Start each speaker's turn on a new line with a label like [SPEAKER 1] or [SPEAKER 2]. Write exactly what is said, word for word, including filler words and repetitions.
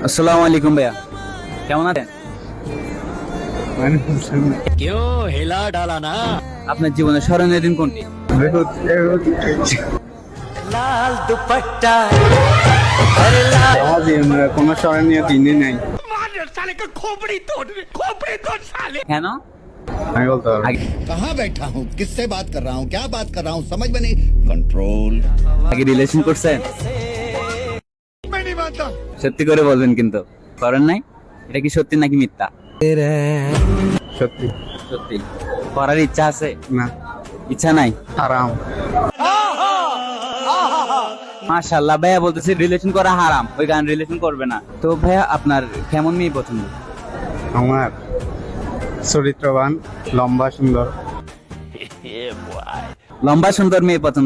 [SPEAKER 1] আসসালামু আলাইকুম ভাইয়া, কেমন আছেন?
[SPEAKER 2] क्यों हिला डाला ना।
[SPEAKER 1] আপনার জীবনের স্মরণীয় দিন কোনটি?
[SPEAKER 2] लाल दुपट्टा
[SPEAKER 3] আমার জীবনের কোনো স্মরণীয় দিনই নাই।
[SPEAKER 2] साले का खोपड़ी तोड़ खोपड़ी तोड़ साले।
[SPEAKER 1] কেন?
[SPEAKER 3] আমি বলতে পারবো না।
[SPEAKER 1] আগে
[SPEAKER 4] कहाँ बैठा हूँ, किससे बात कर रहा हूँ, क्या बात कर रहा हूँ, समझ में नहीं। कंट्रोल।
[SPEAKER 1] আগে রিলেশন করছেন? সত্যি করে বলবেন, কিন্তু করেন নাই। এটা কি সত্যি নাকি মিথ্যা?
[SPEAKER 3] সত্যি
[SPEAKER 1] সত্যি। করার ইচ্ছা আছে?
[SPEAKER 3] না,
[SPEAKER 1] ইচ্ছা নাই?
[SPEAKER 3] হারাম।
[SPEAKER 1] মাশাআল্লাহ, ভাইয়া বলতেছে রিলেশন করা হারাম, ওই গান রিলেশন করবে না। তো ভাইয়া আপনার কেমন মেয়ে পছন্দ?
[SPEAKER 3] আমার চরিত্রবান, লম্বা, সুন্দর।
[SPEAKER 1] লম্বা সুন্দর মেয়ে পছন্দ।